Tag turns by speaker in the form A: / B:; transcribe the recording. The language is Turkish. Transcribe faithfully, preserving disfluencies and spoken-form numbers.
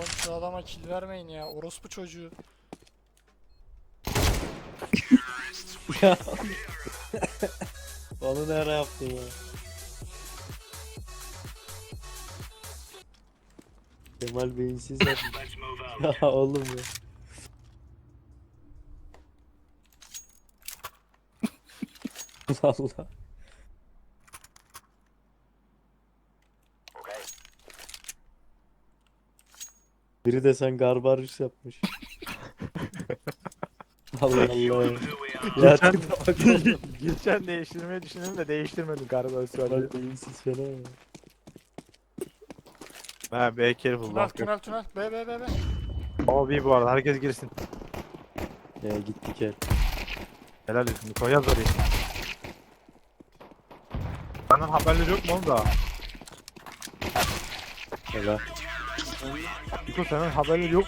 A: Oğlum şu adama kill vermeyin ya. Orospu çocuğu.
B: Ya. Onu ne ara yaptın ya? Kemal beyinsiz yapmış. Ya oğlum ya. Allah. Biri de sen Garbarus yapmış. Allah Allah. Ya
C: Geçen,
B: tipe bak oğlum.
C: geçen değiştirmeyi düşündüm de değiştirmedim galiba söyle.
B: Kemal beyinsiz fena ya.
C: Ha be careful
A: Tünel
C: bak.
A: tünel tünel. B B B B.
C: Abi bu arada herkes girsin.
B: Ya gittik el.
C: Helal olsun. Niko yaz orayı. Benden haberleri yok mu oğlum daha?
B: Helal.
C: Niko senden haberleri yok